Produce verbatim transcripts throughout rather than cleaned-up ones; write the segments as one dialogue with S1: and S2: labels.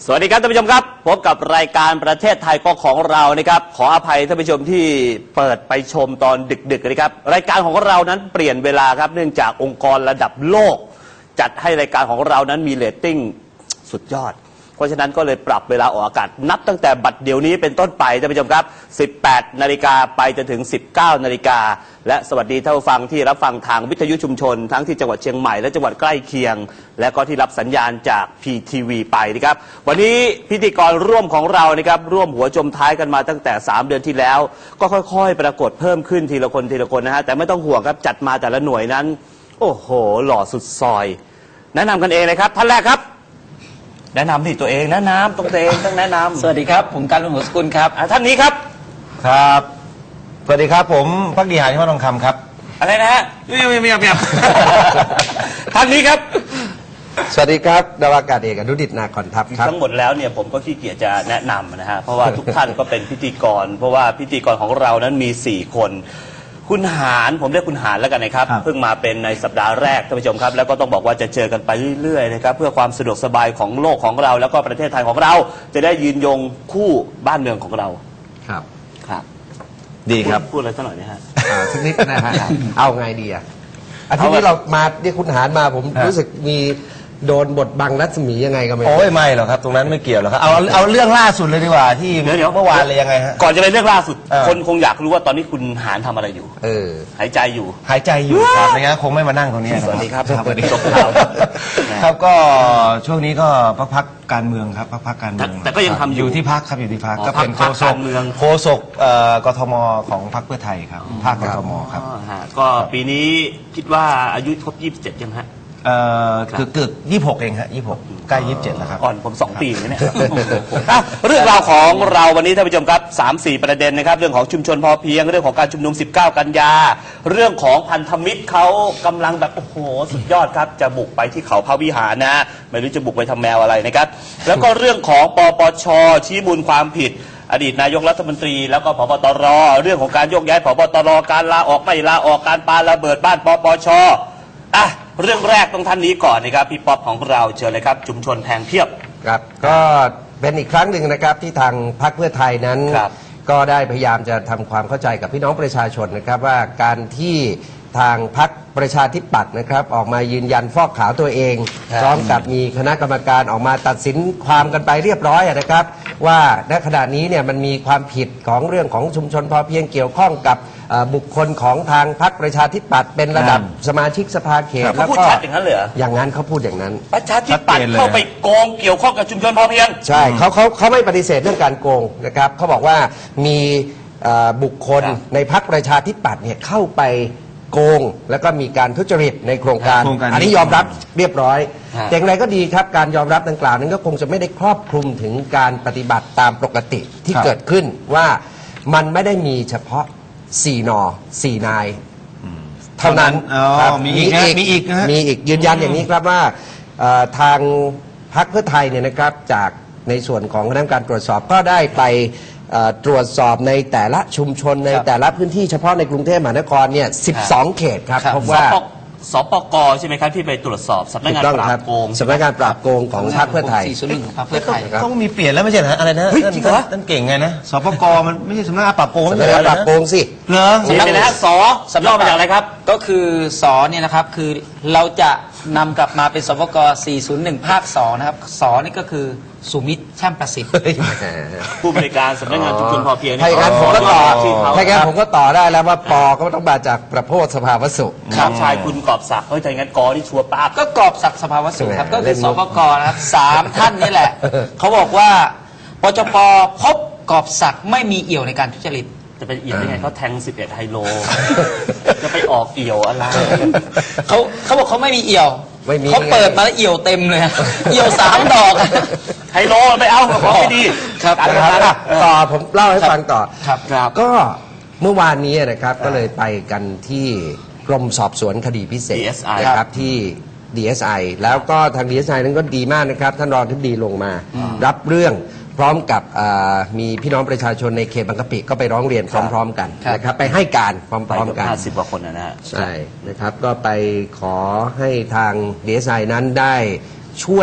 S1: สวัสดีครับท่านผู้ชมครับพบกับรายการประเทศไทยก็ของเรานะครับขออภัยท่านผู้ชมที่เปิดไปชมตอนดึกๆนะครับรายการของเรานั้นเปลี่ยนเวลาครับเนื่องจากองค์กรระดับโลกจัดให้รายการของเรานั้นมีเรตติ้งสุดยอดเพราะฉะนั้นก็เลยปรับเวลาออกอากาศนับตั้งแต่บัดเดี๋ยวนี้เป็นต้นไปท่านผู้ชมครับสิบแปดนาฬิกาไปจนถึงสิบเก้านาฬิกาและสวัสดีท่านผู้ฟังที่รับฟังทางวิทยุชุมชนทั้งที่จังหวัดเชียงใหม่และจังหวัดใกล้เคียงและก็ที่รับสัญญาณจาก พี ที วี ไปนะครับวันนี้พิธีกรร่วมของเรานะครับร่วมหัวจมท้ายกันมาตั้งแต่สามเดือนที่แล้วก็ค่อยๆปรากฏเพิ่มขึ้นทีละคนทีละคนนะฮะแต่ไม่ต้องห่วงครับจัดมาแต่ละหน่วยนั้นโอ้โหหล่อสุดซอยแนะนำกันเองเลยครับท่านแรกครับแนะนำที่ตัวเองแนะนำตัวเองต้องแนะนำ
S2: สวัสดีครับผมการลุงหัวสกุลครับ
S1: ท่านนี้ครับ
S3: ครับสวัสดีครับผมพักดีหาที่มาทองคำครับ
S1: อะไรนะฮะไม่ไม่ไม่ไม่ท่านนี้ครับ
S4: สวัสดีครับดาวากาศเอกอนุดิตนาคอนทัพครับ
S1: ทั้งหมดแล้วเนี่ยผมก็ขี้เกียจจะแนะนำนะฮะเพราะว่าทุกท่านก็เป็นพิธีกรเพราะว่าพิธีกรของเรานั้นมีสี่คนคุณหารผมเรียกคุณหารแล้วกันนะครับเพิ่งมาเป็นในสัปดาห์แรกท่านผู้ชมครับแล้วก็ต้องบอกว่าจะเจอกันไปเรื่อยๆนะครับเพื่อความสะดวกสบายของโลกของเราแล้วก็ประเทศไทยของเราจะได้ยืนยงคู่บ้านเมืองของเรา
S4: ครับ
S1: ครับ
S4: ดีครับ
S1: พูดอะไรสักหน่อยนะฮะ
S4: สักนิดนะฮะเอาไงดีอ่ะอาทิตย์นี้เรามาเรียกคุณหารมาผมรู้สึกมีโดนบทบังรัศมียังไงก็ไม่
S3: โอ้ยไม่หรอกครับตรงนั้นไม่เกี่ยวหรอกครับเอาเอาเรื่องล่าสุดเลยดีกว่าที่เมื่อวานเลยยังไงฮะ
S1: ก่อนจะไปเรื่องล่าสุดคนคงอยากรู้ว่าตอนนี้คุณหารทำอะไรอยู่
S4: เออ
S1: หายใจอยู่
S3: หายใจอยู่ครับไม่งั้นคงไม่มานั่งตรงนี้
S1: สวัสดีครับ
S3: สวัสดีครับครับก็ช่วงนี้ก็พักพักการเมืองครับพักพักการเมือง
S1: แต่ก็ยังทำ
S3: อยู่ที่พักครับอยู่ที่พักก็เป็นโฆษกโฆษกกทมของพรรคเพื่อไทยครับภาคกทมครับ
S1: ก็ปีนี้คิดว่าอายุครบยี่สิบเจ็ดยังฮะ
S3: เอ่อคือเกือบยี่สิบหกเองฮะยี่สิบหกใกล้ยี่สิบเจ็ดแล้วครับ
S1: ก่อนผมสองปีเนี่ยเรื่องราวของเราวันนี้ท่านผู้ชมครับสามสี่ประเด็นนะครับเรื่องของชุมชนพอเพียงเรื่องของการชุมนุมสิบเก้ากันยาเรื่องของพันธมิตรเขากำลังแบบโอ้โหสุดยอดครับจะบุกไปที่เขาพระวิหารนะไม่รู้จะบุกไปทำแมวอะไรนะครับแล้วก็เรื่องของปปชชี้มูลความผิดอดีตนายกรัฐมนตรีแล้วก็ผบตรเรื่องของการโยกย้ายผบตรการลาออกไม่ลาออกการปาระเบิดบ้านปปชอ่ะเรื่องแรกต้องท่านนี้ก่อนนะครับพี่ป๊อปของเราเชิญเลยครับชุมชนแพงเพียบ
S4: ครับก็เป็นอีกครั้งหนึ่งนะครับที่ทางพรรคเพื่อไทยนั้นก็ได้พยายามจะทำความเข้าใจกับพี่น้องประชาชนนะครับว่าการที่ทางพรรคประชาธิปัตย์นะครับออกมายืนยันฟอกขาวตัวเองพร้อมกับมีคณะกรรมการออกมาตัดสินความกันไปเรียบร้อยนะครับว่าณขณะนี้เนี่ยมันมีความผิดของเรื่องของชุมชนพอเพียงเกี่ยวข้องกับบุคคลของทางพรรคประชาธิปัตย์เป็นระดับสมาชิกสภาเขต
S1: แล้วก็อย่างนั้นเลย
S4: อย่างนั้นเขาพูดอย่างนั้น
S1: ประชาธิปัตย์เข้าไปโกงเกี่ยวข้องกับชุมชนพอเพียง
S4: ใช่เขาเขาเขาไม่ปฏิเสธเรื่องการโกงนะครับเขาบอกว่ามีบุคคลในพรรคประชาธิปัตย์เนี่ยเข้าไปโกงแล้วก็มีการทุจริตในโครงการอันนี้ยอมรับเรียบร้อยแต่อย่างไรก็ดีครับการยอมรับดังกล่าวนั้นก็คงจะไม่ได้ครอบคลุมถึงการปฏิบัติตามปกติที่เกิดขึ้นว่ามันไม่ได้มีเฉพาะสี่นอสี่นายเท่านั้น
S3: มีอีกมีอีก
S4: มีอีกยืนยันอย่างนี้ครับว่าทางพรรคเพื่อไทยเนี่ยนะครับจากในส่วนของคณะกรรมการตรวจสอบก็ได้ไปตรวจสอบในแต่ละชุมชนในแต่ละพื้นที่เฉพาะในกรุงเทพมหานครเนี่ยสิบสองเขตครับพบว่า
S1: สปกใช่ไหมครับที่ไปตรวจสอบสำนักงานปราบโกง
S4: สำนักงานปราบโกงของพรรคเพื่อไทย
S2: เพื่อไทย
S3: ต้องมีเปลี่ยนแล้วไม่ใช่เหรออะไรนะจริงเหรอท่านเก่งไงนะสปกมันไม่ใช่สำนักงานปราบโกง
S4: สำนักงานปราบโกงสิ
S3: เหรอ
S1: สำนักงานสย่อมาจากอะไรครับ
S2: ก็คือสเนี่ยนะครับคือเราจะนำกลับมาเป็นสปกสี่ศูนย์หนึ่งภาคสองนะครับสนี่ก็คือสุมิตรช่างประสิทธิ์
S1: ผู้บริการสำนักงานชุมชนพอเพียง
S4: ถ้าอย่างนั้นผมก็ต่อถ้าอย่างนั้นผมก็ต่อได้แล้วว่าปอก็ต้องมาจากประโพธสภาวสุ
S1: ครับชายคุณกอบศักดิ์เฮ้ยถ้าอย่างนั้นกอที่ชัวร์ป้า
S2: ก็กอบศักดิ์สภาวสุครับก็คือสปกนะครับสามท่านนี่แหละเขาบอกว่าปจปพบกอบศักดิ์ไม่มีเอี่ยวในการทุจริต
S1: จะไปเอี่ยวได้ไงเขาแทงสิบเอ็ดไฮโลจะไปออกเอี่ยวอะไร
S2: เขาเขาบอกเขาไม่มีเอี่ยวเขาเปิดมาแล้วเอี่ยวเต็มเลยเอี่ยวสามดอก
S1: ไฮโลไปเอาของไม่ดี
S4: ครับต่อผมเล่าให้ฟังต่อครับก็เมื่อวานนี้นะครับก็เลยไปกันที่กรมสอบสวนคดีพิเศษนะครับที่ ดี เอส ไอ แล้วก็ทาง ดี เอส ไอ นั้นก็ดีมากนะครับท่านรองทิบดีลงมารับเรื่องพร้อมกับมีพี่น้องประชาชนในเขตบางกะปิก็ไปร้องเรียนพร้อมๆกันนะครับไปให้การพร้อมๆกัน
S1: ห้าสิบกว่าคนนะฮะ
S4: ใช่นะครับก็ไปขอให้ทาง ดี เอส ไอ นั้นได้ช่วย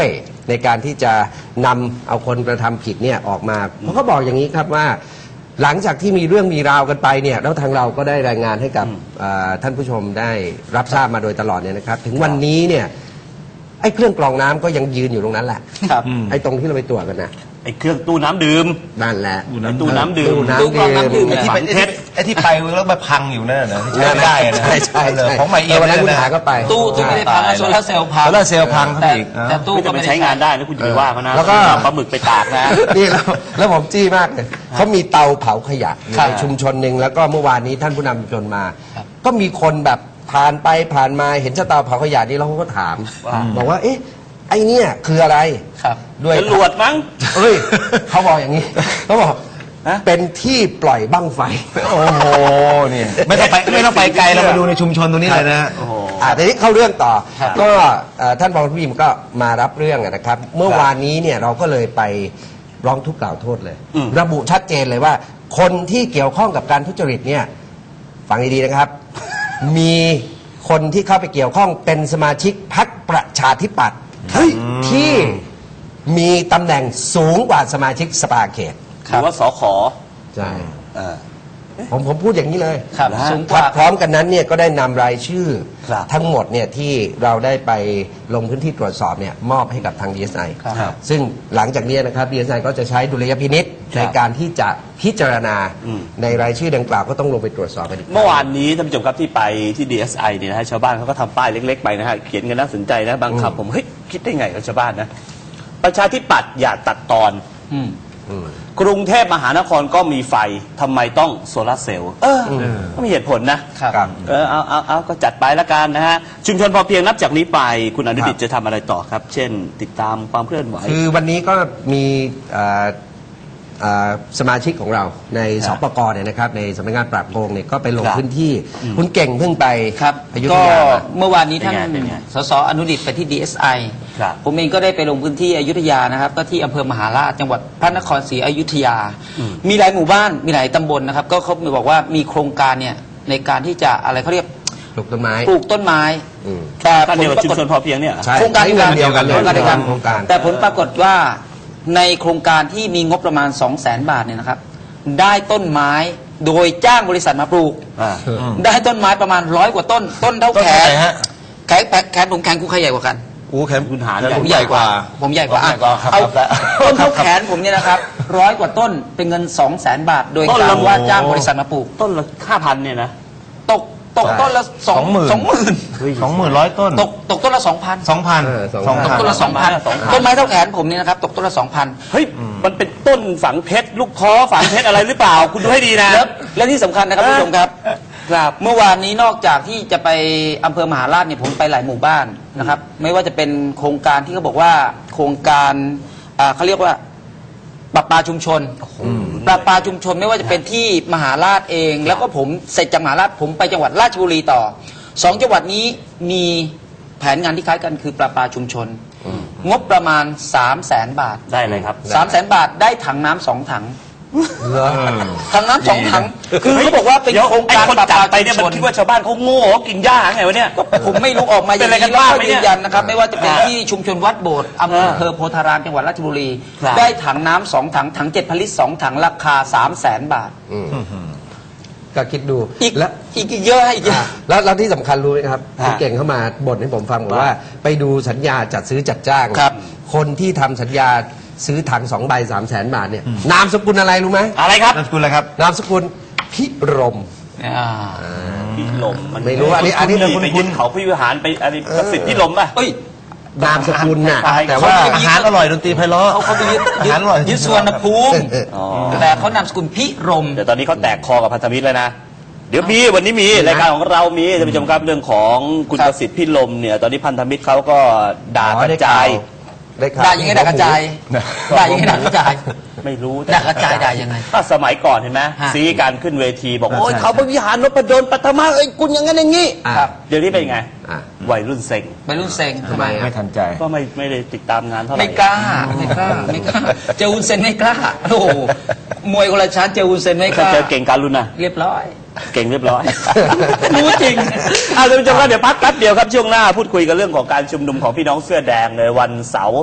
S4: ในการที่จะนำเอาคนกระทำผิดเนี่ยออกมาเพราะเขาบอกอย่างนี้ครับว่า หลังจากที่มีเรื่องมีราวกันไปเนี่ยแล้วทางเราก็ได้รายงานให้กับอ่าท่านผู้ชมได้รับทราบมาโดยตลอดเนี่ยนะครับ ถึงวันนี้เนี่ยไอ้เครื่องกรองน้ำก็ยังยืนอยู่ตรงนั้นแหละ
S2: ครับ
S4: ไอ้ตรงที่เราไปตรวจกันนะ
S1: ไอ้เครื่องตู้น้ำดื่ม
S4: นั่นแหละ
S1: ไอ้ตู้น้ำดื่ม
S4: ตู้น้ำ
S2: ตู้กรองน้ำดื่ม
S4: ดื่ม
S3: ไอ้ที่ไป
S1: ฝังเพชร
S3: ไอ้ที่ไปแล้วมาพังอยู่นั่นนะที่ใช้ไม่ได้อะนะ
S4: ใช่ใช่
S3: เลย
S4: ใช่
S3: ของใหม่เอี่ยม
S4: วันนั้นคุณ
S3: เลยะ
S4: หาก็ไป
S2: ตู้ตู้ไม่ได้พังนะโซลาร์เซลล์พัง
S3: โซลาร์เซลล์พังเข้าไป
S2: แต่
S3: อีก
S2: แต่ตู้
S1: ไม่
S2: ก็
S1: จะไป
S2: ไม่ได้
S1: ใช้งานได้นะคุณจะไปว่าเขานะ
S4: แล้วก็
S1: ปลาหมึกไปตากนะ
S4: นี่แล้วแล้วผมจี้มากเลยเขามีเตาเผาขยะอยู่
S2: ครับ
S4: ในชุมชนหนึ่งแล้วก็เมื่อวานนี้ท่านผู้นำชุมชนมา
S2: ครับ
S4: ก็มีคนแบบผ่านไปผ่านมาเห็นเตาเผาขยะนี่แล้วเขาก็ถาม
S1: ว่า
S4: บอกว่าเอ๊ะไอ้เนี่ยคืออะไร
S2: ครับ
S4: ด้วย
S1: จรวดมั้ง
S4: เอ้ยเขาบอกอย่างนี้เขาบอก
S1: ฮะ
S4: เป็นที่ปล่อยบั้งไฟ
S3: โอ้โหเนี่ยไม่ต้องไปไม่ต้องไปไกลเรามาดูในชุมชนตรงนี้เลยนะฮะ
S1: โอ้โห
S4: อ่าทีนี้เข้าเรื่องต่อ
S2: ครับ
S4: ก็เอ่อท่านรองผู้พิมก็มารับเรื่องอะนะครับ เมื่อวานนี้เนี่ยเราก็เลยไปร้องทุกข์กล่าวโทษเลย
S1: อืม
S4: ระบุชัดเจนเลยว่า คนที่เกี่ยวข้องกับการทุจริตเนี่ยฟังดีๆนะครับ มีคนที่เข้าไปเกี่ยวข้องเป็นสมาชิกพรรคประชาธิปัตย์ที่มีตำแหน่งสูงกว่าสมาชิกสภาเขต
S1: หรือว่าสข
S4: ใช่
S1: เออ
S4: ผมผมพูดอย่างนี้เลย
S2: ครับ
S1: นะฮะ
S2: สูงก
S4: ครั
S2: ว่า
S4: บพร้อมกันนั้นเนี่ยก็ได้นำรายชื่อ
S1: ครับ
S4: ทั้งหมดเนี่ยที่เราได้ไปลงพื้นที่ตรวจสอบเนี่ยมอบให้กับทาง ดี เอส ไอ
S2: ครับ
S4: ซึ่งหลังจากนี้นะครับ ดี เอส ไอ ก็จะใช้ดุลยพินิษในการที่จะพิจารณา
S1: อืม
S4: ในรายชื่อดังกล่าวก็ต้องลงไปตรวจสอบกันอีกครั้ง
S1: เมื่อวานนี้ท่านผู้ชมครับที่ไปที่ ดี เอส ไอ เนี่ยนะฮะชาวบ้านเขาก็ทำป้ายเล็กๆไปนะฮะเขียนกันน่าสนใจนะบางคำผมเฮ้ยคิดได้ไงกับชาวบ้านนะประชาธิปัตย์อย่าตัดตอน
S2: อืม
S4: อืม
S1: กรุงเทพมหานครก็มีไฟทำไมต้องโซลาร์เซลล์เออก็มีเหตุผลนะครับ
S4: ครับ
S1: เออเอาเอาเอาก็จัดไปละกันนะฮะชุมชนพอเพียงนับจากนี้ไปคุณอนุดิต
S4: ครับ
S1: จะทำอะไรต่อครับ เช่น ติดตามความเคลื่อนไหว
S4: คือวันนี้ก็มีเอ่อเอ่อสมาชิกของเราใน
S1: ค
S4: ส
S1: รับ
S4: ปกเนี่ยนะครับในสำนักงานปราบโกงเนี่ยก็ไปลง
S1: ครับ
S4: พื้นที่คุณเก่งเพิ่งไป
S2: ครับ
S4: อยุธ
S2: ก็
S4: ยามา
S2: เมื่อวานนี้ท่าน
S1: เป็นไงเป็นไง
S2: สสอนุดิตไปที่ ดี เอส ไอ
S1: ครับ
S2: ผมเองก็ได้ไปลงพื้นที่อยุธยานะครับ ก็ที่อำเภอมหาราชจังหวัดพระนครศรีอยุธยา
S1: อืม
S2: มีหลายหมู่บ้านมีหลายตำบลนะครับ ก็เขาบอกว่ามีโครงการเนี่ยในการที่จะอะไรเขาเรียก
S4: ปลูกต้นไม้
S2: ปลูกต้นไม้
S4: อืม
S2: แต่
S1: การ
S2: ผ
S1: เดี
S2: ล
S1: ยวกับ
S2: ปรา
S1: ชุม
S2: กฏ
S1: ชนพอเพียงเนี่ยเหรอ
S4: ใช่
S2: โครงการ
S4: ใช้เงินเดียวกันเลย
S2: โครงการเดียวกัน
S4: โครงการ
S2: แต่ผลปรากฏว่าในโครงการที่มีงบประมาณ สองแสน บาทเนี่ยนะครับ ได้ต้นไม้โดยจ้างบริษัทมาปลูก
S1: อ่า
S2: ได้ต้นไม้ประมาณร้อยกว่าต้น ต้นเท่า
S3: ต้น
S2: แข
S3: เท่าไห
S2: น
S3: ร่ฮะ
S2: แขนแขนผมแขนกูใครใหญ่กว่ากัน
S3: อู้แขน
S1: คุณหาร
S3: ผมใหญ่กว่า
S2: ผมใหญ่กว่า
S3: ผมใหญ่กว่า
S2: อ่ะเอา
S3: ครับ
S2: ต้นเท่าแขนผมเนี่ยนะครับร้อยกว่าต้นเป็นเงินสองแสนบาท โดย
S1: ต้น
S2: กา
S1: ละ
S2: รว่าจ้างบริษัทมาปลูก
S1: ต้นละห้าพันเนี่ยนะ
S2: ตกตกต้นละสอง
S3: สองหมื่น
S2: สองหมื่น
S3: สองหมื่นร้อยต้น
S2: ตกตกต้นละสองพัน
S3: สองพัน
S4: เออสอง
S3: สอง
S4: พั
S2: ตก
S3: พัน
S2: ต้นละสองพัน
S1: สองพัน
S2: ต้นไม้เท่าแขนผมเนี่ยนะครับตกต้นละสองพัน
S1: เฮ้ยมันเป็นต้นฝังเพชรลูกท้อฝังเพชรอะไรหรือเปล่า คุณดูให้ดีนะ
S2: แล้วและที่สำคัญนะครับ
S1: เออ
S2: ผู้ชมครับครับเมื่อวานนี้นอกจากที่จะไปอำเภอมหาราชเนี่ยผมไปหลายหมู่บ้านนะครับ ไม่ว่าจะเป็นโครงการที่เขาบอกว่าโครงการอ่าเขาเรียกว่าปรับปลาชุมชนปรับปลาชุมชนไม่ว่าจะเป็นที่มหาราชเอง แล้วก็ผมเสร็จจากมหาราชผมไปจังหวัดราชบุรีต่อสองจังหวัดนี้มีแผนงานที่คล้ายกันคือปรับปลาชุมชน งบประมาณสามแสนบาท
S1: ได้เลยครับ
S2: สามแสนบาทได้ถังน้ำสองถัง
S4: เหรอ
S2: ถังน้ำสองถัง คือเขาบอกว่าเป็น
S1: เดี๋ยว
S2: โครง
S1: ไอ้
S2: การ
S1: คน
S2: ปรับ
S1: จั
S2: ป
S1: ด
S2: ลา
S1: ไปเนี่ย
S2: ชุ
S1: มั
S2: ม
S1: น
S2: ชน
S1: คิดว่าชาวบ้านเขาโง่เขากินหญ้าไงวะเนี่ย
S2: ผมไม่รู้ออกมาอย่าง
S1: เป็นอะไรกัน
S2: นี้แล้ว
S1: บ้าง
S2: ก็
S1: ไหมเนี่
S2: ยื
S1: ย
S2: นยันนะครับ ไม่ว่าจะเป็น
S1: อ่า
S2: ที่ชุมชนวัดโบสถ์อำเภอ
S1: อ่า
S2: อำเภอโพธารามจังหวัดราชบุรี
S1: ครับ
S2: ได้ถังน้ำสองถังถังเจ็ดพันลิตรสองถังราคาสามแสนบาท
S4: อืมก็คิดดู
S2: อีก
S4: และ
S2: อีกอีกเยอะให้อีกเยอะ
S4: อ่ะแล้วแล้วที่สำคัญรู้ไหมครับ
S1: ฮะ
S4: คุณเก่งเข้ามาบ่นให้ผมฟังบอก
S1: ว่า
S4: ว่า ไปดูสัญญาจัดซื้อจัดจ้าง
S2: ครับ
S4: คนที่ทำสัญญาซื้อถังสองใบสามแสนบาทเนี่ยนามสกุลอะไรรู้ไหม
S1: อะไรครับ
S3: นามสกุลอะไรครับ
S4: นามสกุลพิรม
S2: อ่า
S1: พี่ลมมัน
S4: ไม่รู้อันนี้อันนี้
S1: ไปยึดเขาพิวิหารไปอะไรประสิทธิ์พี่ลมป่ะ
S2: เอ้ย
S4: นามสกุลน่ะ
S1: ตาย
S4: แต่ว่า
S3: อาหารอร่อยดนตรีไพเราะ
S2: เขาเขาไปยึด
S3: อา
S2: ยึ
S3: หาร
S2: ด
S3: อร่อย
S2: ยึดสุวรรณภูมิ
S1: อ๋อ
S2: แต่เขานามสกุลพิรม
S1: เดี๋ยวตอนนี้เขาแตกคอกับพันธมิตรแล้วนะ เดี๋ยวมีวันนี้มีรายการของเรามีท่านผู้ชมครับเรื่องของคุณ
S2: ครับ
S1: ประสิทธิ์พี่ลมเนี่ยตอนนี้พันธมิตรเขาก็ด่ากระจาย
S4: ได้ข่าว
S2: ด่ายังไงด่ากระจายด่ายังไงด่ากระจาย
S1: ไม่รู้
S2: ด่ากระจายด่ายังไง
S1: ถ้าสมัยก่อนเห็นไหม
S2: ฮะ
S1: ซีการขึ้นเวทีบอก
S4: ใช่
S1: โอ้ย
S4: ใช่
S1: เขาไปวิหารนพดลปัทมาเอ้ยคุณอย่างนั้นอย่างนี้
S4: อ่ะ
S2: ครับ
S1: เดี๋ยวนี้เป็นไง
S4: อ่ะ
S1: วัยรุ่นเซ็ง
S2: เป็นรุ่นเซ็ง
S4: ทำไมอ่ะ
S3: ไม่ทันใจ
S1: ก็ไม่ไม่ได้ติดตามงานเท่าไหร่
S2: ไม่กล้าไม่กล้าไม่กล้าเจออุนเซนไม่กล้าโอ้โหมวยคนละชั้นเจออุนเซนไม่ก
S1: ถ้า
S2: ล้า
S1: เจอเก่งการุณนะ
S2: เรียบร้อย
S1: เก่งเรียบร้อย รู้จริงอ่ะท่านผู้ชมครับเดี๋ยวพักแป๊บเดียวครับช่วงหน้าพูดคุยกันเรื่องของการชุมนุมของพี่น้องเสื้อแดงในวันเสาร์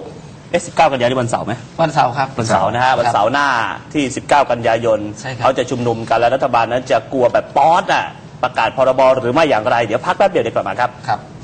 S1: เอ๊ะสิบเก้ากันยายนนี่วันเสาร์ไหม
S2: วันเสาร์ครับ
S1: วันเสาร์นะฮะวันเสาร์หน้าที่สิบเก้ากันยายน
S2: ใช่ครับ
S1: เขาจะชุมนุมกันและรัฐบาลนั้นจะกลัวแบบป๊อดอ่ะประกาศพรบหรือไม่อย่างไรเดี๋ยวพักแป๊บเดียวเดี๋ยวกลับมาครับ
S2: ครับ